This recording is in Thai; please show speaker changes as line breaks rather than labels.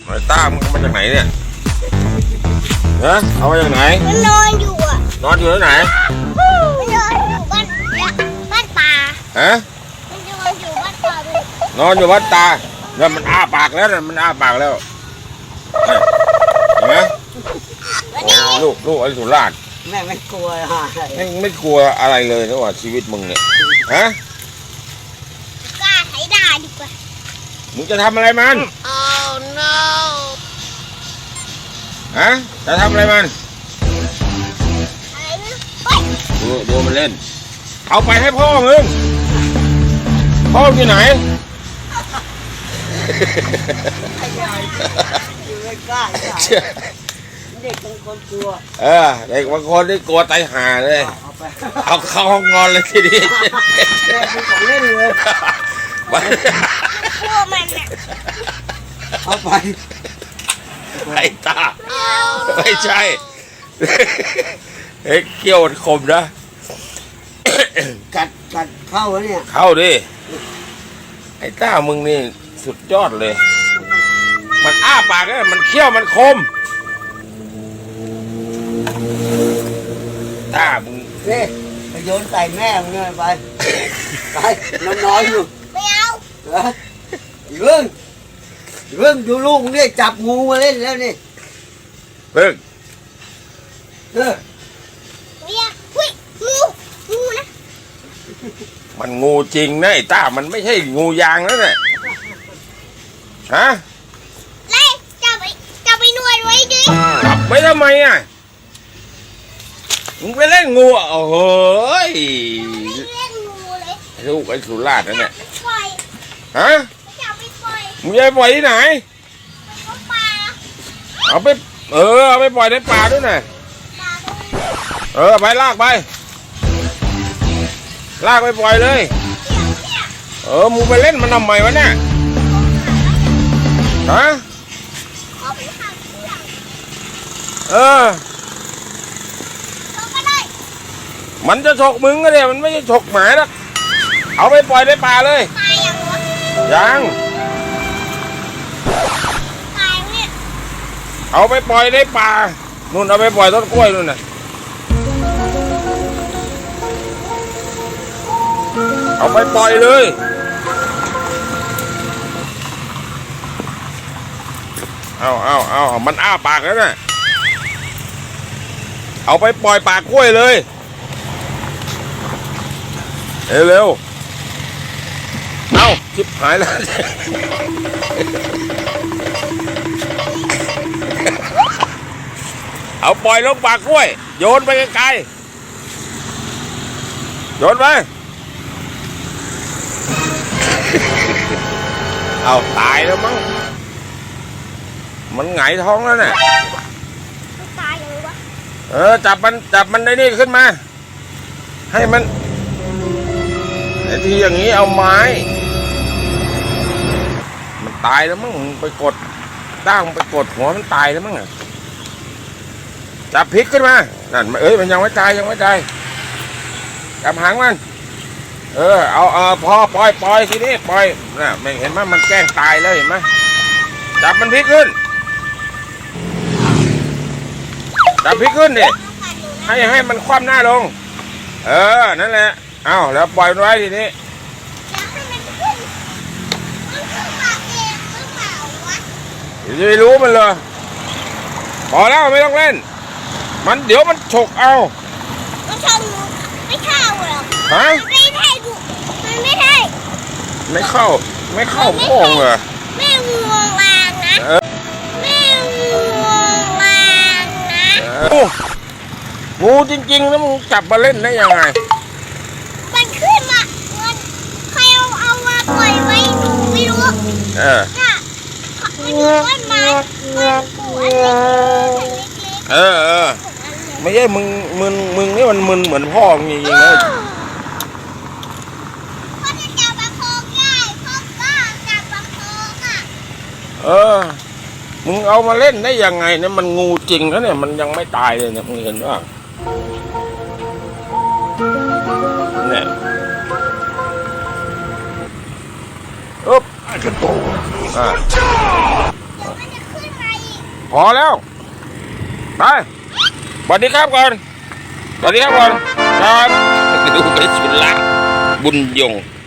ไอ้ต้ามึงมาจากไหนเนี่ยฮะเอามาจากไหน
มันนอนอยู่อ่ะ
นอนอยู่ที่ไหน
มันนอนอยู่บ้านป่า
ฮะ
มันนอนอยู่บ้านป่าเลย
นอนอยู่วัดตาแล้วมันอ้าปากแล้วมันอ้าปากแล้วเห็นไหมลูกไอ้สุราษฎร์
แม่ไม่กลัว
ไม่กลัวอะไรเลยนะว่าชีวิตมึงเนี่ยฮะ
กล้าไถด่าดีกว่า
มึงจะทำอะไรมัน
Oh no
ฮะจะทำอะไรมัน
อะไรไม่รู้
ดูมันเล่นเอาไปให้พ่อมึงพ่ออยู่ไหน
อยู่ไม่กล้าเด็กบางคนกลัว
เด็กบางคนนี่กลัวตายห่าเลยเอาเข้าห้องนอนเลยทีนี้
แม่ไม่ของเล่นเลย
กลัวมันอ่ะ
เอาไป
ไอ้ตาไม่ใช่เกี่ยวคมนะ
กัดเข้าแล้วเนี่ย
เข้าดิไอ้ต้ามึงนี่สุดยอดเลยมันอ้าปากเลยมันเขี้ยวมันคมต้ามึง
นี่ไปโยนใส่แม่มึงเลยไปนอนอยู่
ไม่เอา
เรื่องดูลูกเนี่ยจับงูมาเล่นแล้วนี่
เพิ่ง
เนี่ยหุ้ยงูนะ
มันงูจริงนะไอ้ต้ามันไม่ใช่งูยางแล้วเนี่ยฮะ
ไล่จับไปนวดไว้ดิ
จับไว้ทำไมอ่ะมึงไปเล่นงูโอ้โห
เล่นงูเลย
ลูกไอ้สุราษฎร์นั่นแหละฮะ
จับไปปล่อย
มึงจะไปปล่อยที่ไหน
ป่า
เอาไปเอาไปปล่อยในป่าด้วยนะไปลากไปปล่อยเลยมึงไปเล่นมันทำไมวะเนี่ยฮะมันจะฉกมึงก็เนี่ยมันไม่ใช่ฉกหมาหรอกเอาไปปล่อยในป่าเลยยังเอาไปปล่อยในป่านู่นเอาไปปล่อยต้นกล้วยนู่นน่ะเอาไปปล่อยเลยเอามันอ้าปากแล้วน่ะเอาไปปล่อยปากกล้วยเลยเร็วเอาชิบหายแล้วเอาปล่อยลงปากกล้วยโยนไปไกลๆโยนไปเอาตายแล้วมั้งมันหงายท้องแล้วเนี่ย
ตายเลยวะ
จับมันได้นี่ขึ้นมาให้มันไอ้ที่อย่างนี้เอาไม้มันตายแล้วมั้งไปกดตั้งไปกดหัวมันตายแล้วมั้งจับพลิกขึ้นมานั่นมันยังไม่ตายจับหางมันเอาพอปล่อยทีนี้ปล่อยน่ะไม่เห็นไหมมันแกล้งตายแล้วเห็นไหมจับมันพลิกขึ้นจับพลิกขึ้นดิให้มันคว่ำหน้าลงนั่นแหละเอาแล้วปล่อยมันไว้ทีนี้จะไปรู้มันเลยพอแล้วไม่ต้องเล่นมันเดี๋ยวมันฉกเอา
มันชนไม่เข้าหรอก
ฮะ
ไม่ใช่มันไม่ใช่
ไม่เข้าโป่งเหรอ
แม่งูวางนะแม่งูวางนะ
งูจริงๆแล้วมึงจับมาเล่นได้ยังไง
มันขึ้นมาใครเอามาปล่อยไว้หนูไม่รู้น่ะมันอยู่ต้นไม้มันปลูกอันเล็ก
ไม่ใช่มึงนี่มันมึนเหมือนพ่อจริงๆเลย
พ่อจะจับประคองได้พ่อก็จับประคอง
มึงเอามาเล่นได้ยังไงเนี่ยมันงูจริงแล้วเนี่ยมันยังไม่ตายเลยเนี่ยมึงเห็นว่าเนี่ย
มันจะขึ้น
พอแล้วไปสวัสดีครับก่อนสวัสดีครับก่อนครับดูไปสุดละบุญยง